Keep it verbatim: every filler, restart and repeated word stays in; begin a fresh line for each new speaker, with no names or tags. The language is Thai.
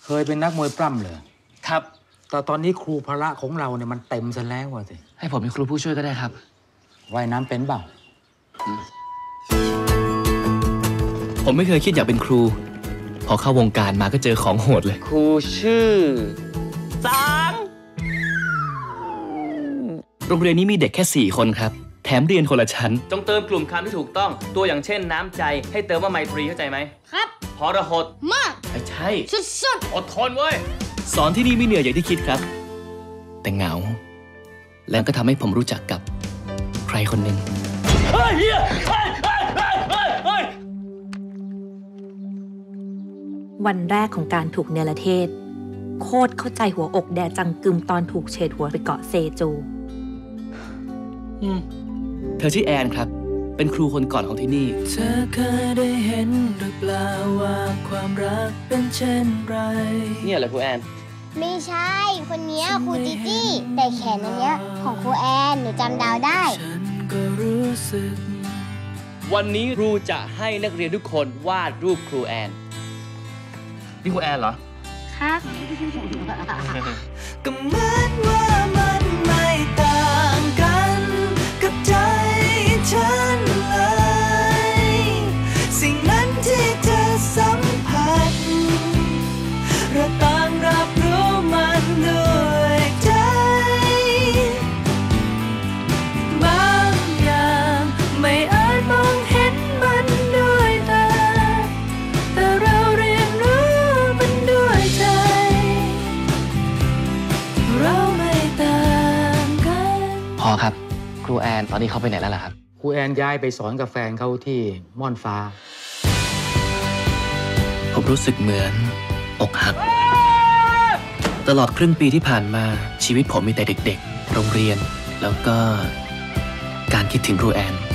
เคยเป็นนักมวยปล้ำเลย
ครับ
แต่ตอนนี้ครูพละของเราเนี่ยมันเต็มซะแล้วสิ
ให้ผมเป็นครูผู้ช่วยก็ได้ครับ
ว่ายน้ำเป็นเปล่า
ผมไม่เคยคิดอยากเป็นครูพอเข้าวงการมาก็เจอของโหดเลยครูชื่อสังโรงเรียนนี้มีเด็กแค่สี่คนครับแถมเรียนคนละชั้นจงเติมกลุ่มคำที่ถูกต้องตัวอย่างเช่นน้ำใจให้เติมว่าไมตรีเข้าใจไหมครับพรหดมากไม่ใช่สุดๆอดทนเว้ยสอนที่นี่ไม่เหนื่อยอย่างที่คิดครับแต่เหงาแล้วก็ทำให้ผมรู้จักกับใครคนหนึ่งเฮ้ยเฮ้ยเฮ้ยเฮ้ยเฮ้ย
วันแรกของการถูกเนรเทศโคตรเข้าใจหัวอกแดจังกึมตอนถูกเฉดหัวไปเกาะเซจู
เธอชื่อแอนครับเป็นครูคนก่อนของที่นี่
เธอเคยได้เห็นหรือเปล่าว่าความรักเป็นเช่นไร
เนี่ยเหรอครูแอน
ไม่ใช่คนนี้ครูจิจี้แต่แขนอันเนี้ยของครูแอนหนูจำดาวได้
ฉันก็รู้สึก
วันนี้ครูจะให้นักเรียนทุกคนวาดรูปครูแอนนี่ครูแอนเหรอ
ครับ
ก็เหมือนว่ามันไม่ต่างกันกับใจฉันเลยสิ่งนั้นที่เธอสัมผัสเราต่างรับรู้มันด้วยใจบางอย่างไม่อาจมองเห็นมันด้วยตาแต่เราเรียนรู้มันด้วยใจเราไม่ต่างกัน
พอครับครูแอนตอนนี้เขาไปไหนแล้วล่ะครับ
ครูแอนย้ายไปสอนกับแฟนเขาที่ม่อนฟ้า
ผมรู้สึกเหมือนอกหักตลอดครึ่งปีที่ผ่านมาชีวิตผมมีแต่เด็กๆโรงเรียนแล้วก็การคิดถึงครูแอน